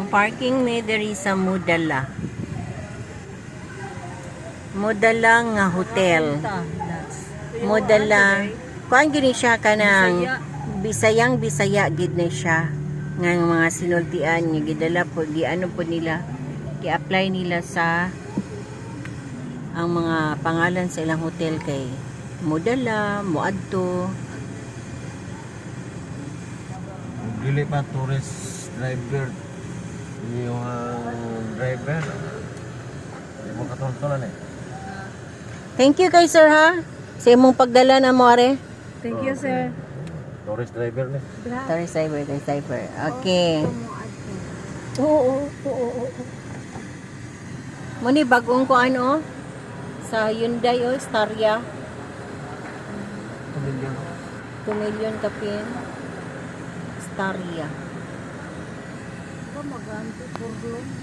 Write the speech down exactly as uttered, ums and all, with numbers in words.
parking me diri sa Mudala. Mudala nga hotel. Mudala. Kuan gini siya kanang Bisayang Bisaya gid na siya. Nga mga sinultian nga gidala po di ano po nila gi-apply nila sa ang mga pangalan sa ilang hotel kay Mudala, Muadto. Dili pa tourist driver yung uh, driver mo katultulan eh. Thank you kay sir ha sa imong pagdala na mo are. Thank you, sir. Tourist driver ni. Sorry cyber, sorry cyber. Okay. Oo, oo, oo. Muni bagong ko ano sa Hyundai o Staria. two million kapin. Staria. Ba maganto porlo.